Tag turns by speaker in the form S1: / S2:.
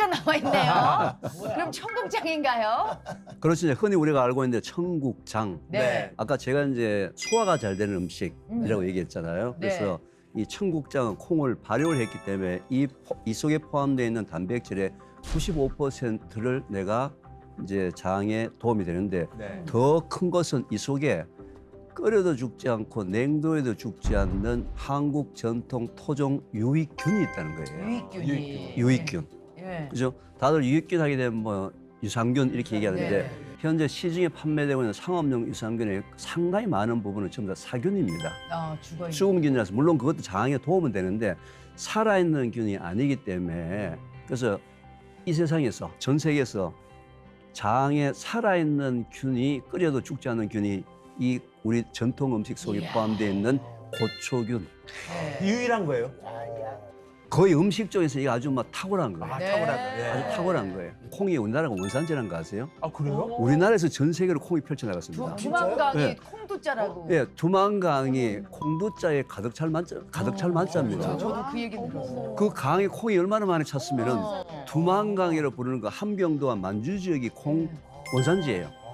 S1: 콩국자가 나와 있네요. 그럼 청국장인가요?
S2: 그렇죠. 흔히 우리가 알고 있는데 청국장.
S1: 네.
S2: 아까 제가 이제 소화가 잘 되는 음식이라고 얘기했잖아요.
S1: 네.
S2: 그래서 이 청국장은 콩을 발효를 했기 때문에 이 속에 포함되어 있는 단백질의 95%를 내가 이제 장에 도움이 되는데
S3: 네.
S2: 더 큰 것은 이 속에 끓여도 죽지 않고 냉도에도 죽지 않는 한국 전통 토종 유익균이 있다는 거예요.
S1: 유익균이.
S2: 유익균.
S1: 예.
S2: 그죠? 다들 유익균 하게 되면 뭐 유산균 이렇게 얘기하는데
S1: 네.
S2: 현재 시중에 판매되고 있는 상업용 유산균의 상당히 많은 부분은 전부 다 사균입니다.
S1: 죽어 있는.
S2: 수금균이라서 물론 그것도 장에 도움은 되는데 살아있는 균이 아니기 때문에 그래서 이 세상에서 전 세계에서 장에 살아있는 균이 끓여도 죽지 않는 균이 이 우리 전통 음식 속에
S1: 이야.
S2: 포함되어 있는 고초균.
S1: 네.
S3: 유일한 거예요?
S2: 거의 음식 쪽에서 이게 아주 막 탁월한 거예요.
S3: 아,
S1: 네.
S3: 탁월한 거. 예.
S2: 아주 탁월한 거예요. 콩이 우리나라가 원산지라는 거 아세요?
S3: 아, 그래요?
S2: 우리나라에서 전 세계로 콩이 펼쳐나갔습니다.
S1: 두만강이
S2: 네.
S1: 콩두자라고.
S2: 예, 두만강이 콩두자에 가득 찰 만자입니다.
S1: 저도 그 얘기 들었어요.
S2: 그 강에 콩이 얼마나 많이 찼으면은
S1: 어.
S2: 두만강이라고 부르는 그 함경도와 만주 지역이 콩 원산지예요.